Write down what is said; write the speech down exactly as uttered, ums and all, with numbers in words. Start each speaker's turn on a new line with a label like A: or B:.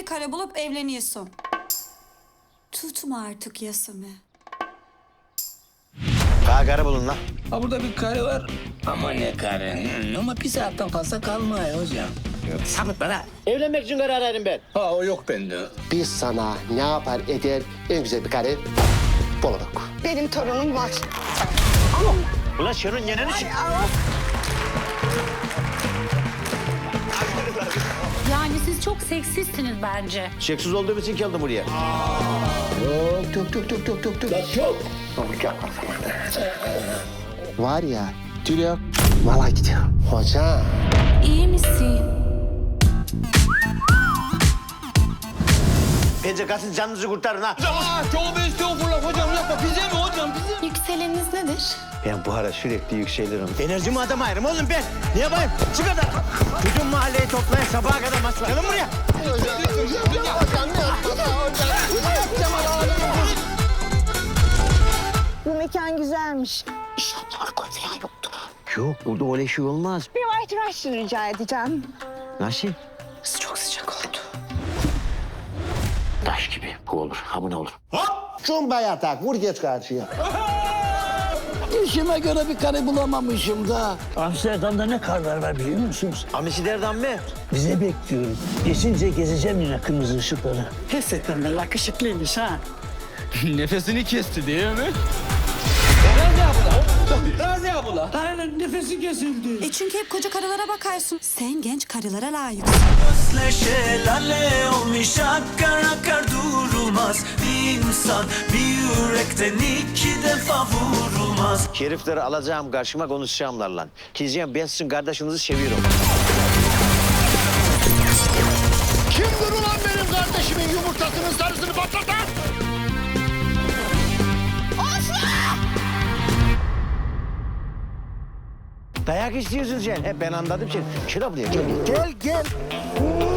A: bir kare bulup evleniyorsun. Tutma artık yasımı.
B: Daha karı bulun lan.
C: Ha burada bir kare var. Ama ne kare? Hmm, ama bir saatten fazla kalmıyor hocam. Sabit bana.
B: Evlenmek için karar verdim ben.
C: Ha o yok bende.
D: Biz sana ne yapar eder en güzel bir kare bulduk.
E: Benim torunum var.
B: Ulan şunun yeneni çık.
F: Yani siz çok seksistsiniz bence.
B: Şeksiz olduğum için geldim buraya.
D: Yok yok yok yok yok yok.
C: Çok.
D: Var ya Tülay valla gidiyor. Hocam.
A: İyi misin?
B: Bence kaçın canınızı kurtarın ha.
C: Aa, tövbe estağfurullah hocam yapma. Bize mi hocam bize?
A: Yükseleniniz nedir?
B: Ben bu ara sürekli yükselirim. Enerjimi adam ayırım oğlum ben. Ne yapayım? Çık adam. Bütün mahalleyi toplayın sabaha kadar masla. Gelin buraya.
E: Bu mekan güzelmiş.
B: Yok burada öyle şey olmaz.
E: Bir white rush rica edeceğim.
B: Nasıl?
A: Çok sıcak oldu.
B: Taş gibi. Bu olur. Ha bu ne olur?
D: Cumba yatak vur geç karşıya.
G: İşime göre bir kare bulamamışım da.
H: Amsterdam'da ne karlar var biliyor musunuz?
B: Amisilerden mi?
H: Bize bekliyorum. Geçince gezeceğim yine kırmızı ışıkları.
G: Gerçekten de yakışıklıymış ha.
C: Nefesini kesti değil mi? Razi abla. Razi abla.
G: Aynen nefesi kesildi.
A: E çünkü hep koca karılara bakarsın. Sen genç karılara layıksın.
I: Şelale olmuş akar akar durulmaz. Bir insan bir yürekten iki defa vurulmaz.
B: Herifleri alacağım karşıma konuşacağımlarla. Diyeceğim ben sizin kardeşinizi seviyorum.
D: Kimdir ulan benim kardeşimin yumurtasının sarısını patlatan?
B: Dayak istiyorsun sen. Hep ben anladım seni. Şuna buraya gel. Gel gel.